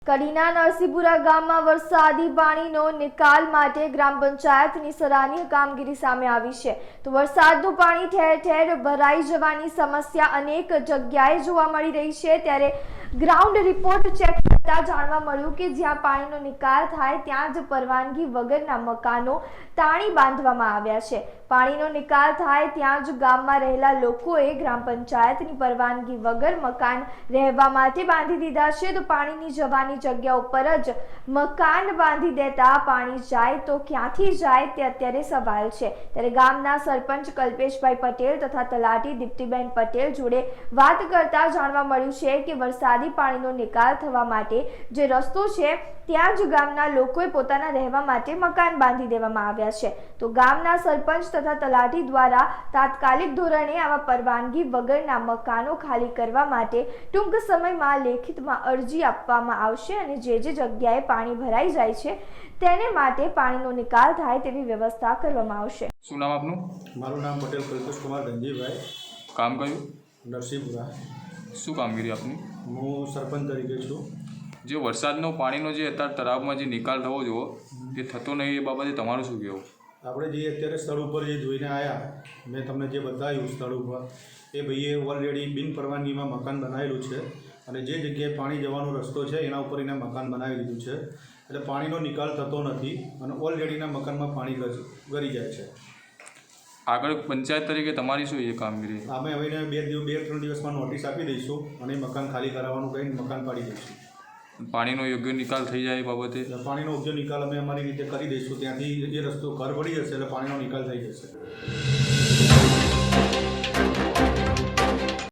કડીના નરસિંહપુરા ગામમાં વરસાદી પાણીનો નિકાલ માટે ગ્રામ પંચાયતની સરાહનીય કામગીરી સામે આવી છે. તો વરસાદનું પાણી ઠેર ઠેર ભરાઈ જવાની સમસ્યા અનેક જગ્યાએ જોવા મળી રહી છે. ત્યારે ગ્રાઉન્ડ રિપોર્ટ ચેક કરતા જાણવા મળ્યું કે જ્યાં પાણીનો નિકાલ થાય ત્યાં જ પરવાનગી વગરના મકાનો તાણી બાંધવામાં આવ્યા છે. પાણીનો નિકાલ થાય ત્યાં જ ગામમાં રહેલા લોકોએ ગ્રામ પંચાયતની પરવાનગી વગર મકાન રહેવા માટે બાંધી દીધા છે. તો પાણીની જવાની જગ્યા ઉપર જ મકાન બાંધી દેતા પાણી જાય તો ક્યાંથી જાય તે અત્યારે સવાલ છે. ત્યારે ગામના સરપંચ કલ્પેશભાઈ પટેલ તથા તલાટી દીપ્તિબેન પટેલ જોડે વાત કરતા જાણવા મળ્યું છે કે વરસાદી પાણીનો નિકાલ થવા માટે જે રસ્તો છે ત્યાં જ ગામના લોકોએ પોતાના રહેવા માટે મકાન બાંધી દેવામાં આવ્યા છે. તો ગામના સરપંચ તથા તલાટી દ્વારા તાત્કાલિક ધોરણે આવા પરવાનગી વગરના મકાનો ખાલી કરવા માટે ટૂંક સમયમાં લેખિતમાં અરજી આપવામાં આવશે અને જે જગ્યાએ પાણી ભરાઈ જાય છે તેને માટે પાણીનો નિકાલ થાય તેવી વ્યવસ્થા કરવામાં આવશે. શું નામ આપનું? મારું નામ પટેલ કલ્પેશ કુમાર ગંજીભાઈ. કામ કયું? નરસિંહપુરા. શું કામગીરી આપની? હું સરપંચ તરીકે છું. જે વરસાદનો પાણીનો જે અત્યારે તળાવમાં જે નિકાલ થવો જોઈએ એ થતો નહીં, એ બાબતે તમારું શું કહેવું? આપણે જે અત્યારે સ્થળ ઉપર જે જોઈને આવ્યા, મેં તમને જે બતાવ્યું સ્થળ ઉપર, એ ભાઈએ ઓલરેડી બિન પરવાનગીમાં મકાન બનાવેલું છે અને જે જગ્યાએ પાણી જવાનો રસ્તો છે એના ઉપર એને મકાન બનાવી દીધું છે. એટલે પાણીનો નિકાલ થતો નથી અને ઓલરેડીના મકાનમાં પાણી ગળી જાય છે. આગળ પંચાયત તરીકે તમારી શું એ કામગીરી? અમે હવે 2-3 દિવસમાં નોટિસ આપી દઈશું અને મકાન ખાલી કરાવવાનું કહીને મકાન પાડી દઈશું. પાણીનો યોગ્ય નિકાલ થઈ જાય એ બાબતે? પાણીનો યોગ્ય નિકાલ અમે અમારી રીતે કરી દઈશું. ત્યાંથી એ રસ્તો ઘર પડી જશે એટલે પાણીનો નિકાલ થઈ જશે.